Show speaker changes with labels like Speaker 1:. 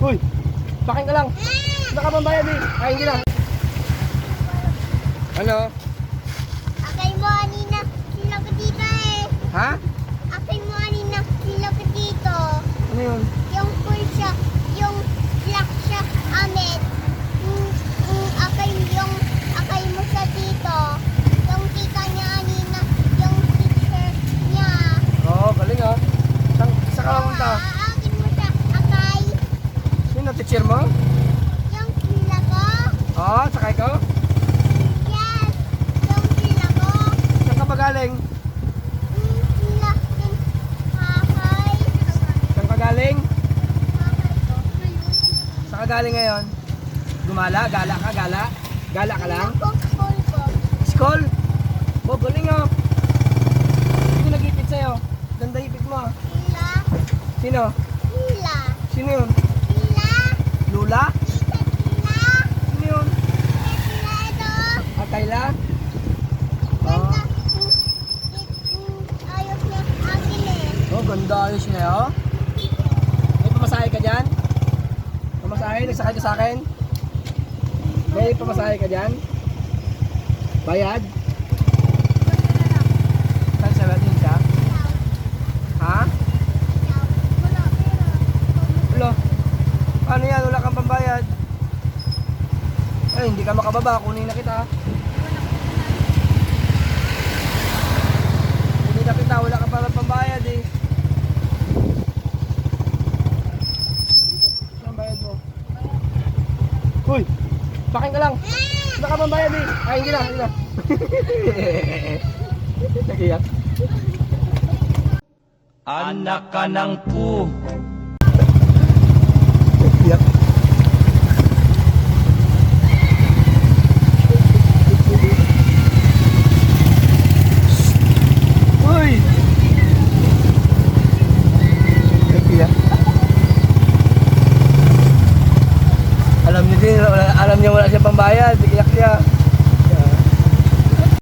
Speaker 1: Uy, sakin ka lang. Nakapambayad eh. Ay, hindi na. Ano?
Speaker 2: Akay mo anina, sila ko dito eh.
Speaker 1: Ha?
Speaker 2: Akay mo anina, sila ko dito.
Speaker 1: Ano yun?
Speaker 2: Yung full siya, yung black siya, amin. Akay mo siya dito. Yung tita niya anina, yung teacher niya.
Speaker 1: Oo, galing ah. Sa ka pumunta?
Speaker 2: Aakin mo siya, akay.
Speaker 1: Sino teacher mo?
Speaker 2: Yung sila ko.
Speaker 1: Oo, sakay ko.
Speaker 2: Yes, yung sila ko.
Speaker 1: Saan ka ba galing?
Speaker 2: Sila, yung akay.
Speaker 1: Saan ka galing?
Speaker 2: Akay ko.
Speaker 1: Saan ka galing ngayon? Gumala? Gala ka? Gala? Gala ka lang?
Speaker 2: Ako, school ko.
Speaker 1: School? Oh, galing ah. Sino nag-ipit sa'yo? Ganda ipit mo ah.
Speaker 2: Sila,
Speaker 1: Sino?
Speaker 2: sila,
Speaker 1: Sino yun?
Speaker 2: sila.
Speaker 1: Lula?
Speaker 2: Tita sila.
Speaker 1: Sino yun?
Speaker 2: Sila ito.
Speaker 1: Ah, Kayla?
Speaker 2: Ganda. Ayos niya akin eh.
Speaker 1: Oh, ganda ayos niya oh. May pamasahe ka dyan? Pamasahe? Nagsakay ka sa akin? May pamasahe ka dyan? Bayad? Saan siya natin siya? Ha? Ulo? Paano yan? Wala kang pambayad? Eh, hindi ka makababa. Kunin na kita. Kunin na kita. Wala ka pala pambayad eh. Saan bayad mo? Uy! Sakin ka lang! Wala ka pambayad eh. Ay, hindi na. Hindi na. Nagiyak.
Speaker 3: Anak ka ng pu.
Speaker 1: Nagiyak. Uy! Nagiyak. Alam niya din, alam niya wala siya pambayad. Iyak siya.